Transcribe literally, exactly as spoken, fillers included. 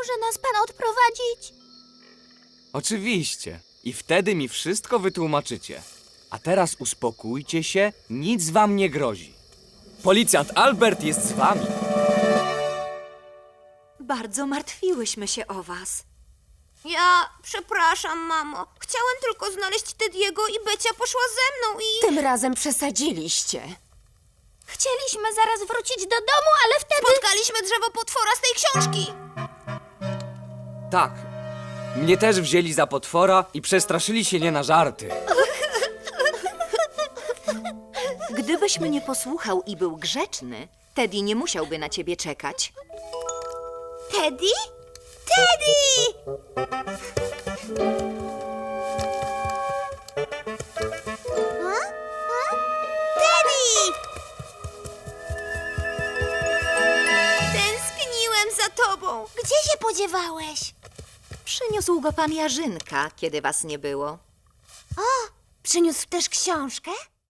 może nas pan odprowadzić? Oczywiście. I wtedy mi wszystko wytłumaczycie. A teraz uspokójcie się, nic wam nie grozi. Policjant Albert jest z wami. Bardzo martwiłyśmy się o was. Ja przepraszam, mamo. Chciałem tylko znaleźć Tediego i Becia poszła ze mną i... Tym razem przesadziliście. Chcieliśmy zaraz wrócić do domu, ale wtedy... Spotkaliśmy drzewo potwora z tej książki. Tak. Mnie też wzięli za potwora i przestraszyli się nie na żarty. Gdybyś mnie posłuchał i był grzeczny, Teddy nie musiałby na ciebie czekać. Teddy? Teddy! A? A? Teddy! Tęskniłem za tobą. Gdzie się podziewałeś? Przyniósł go pan Jarzynka, kiedy was nie było. O, przyniósł też książkę?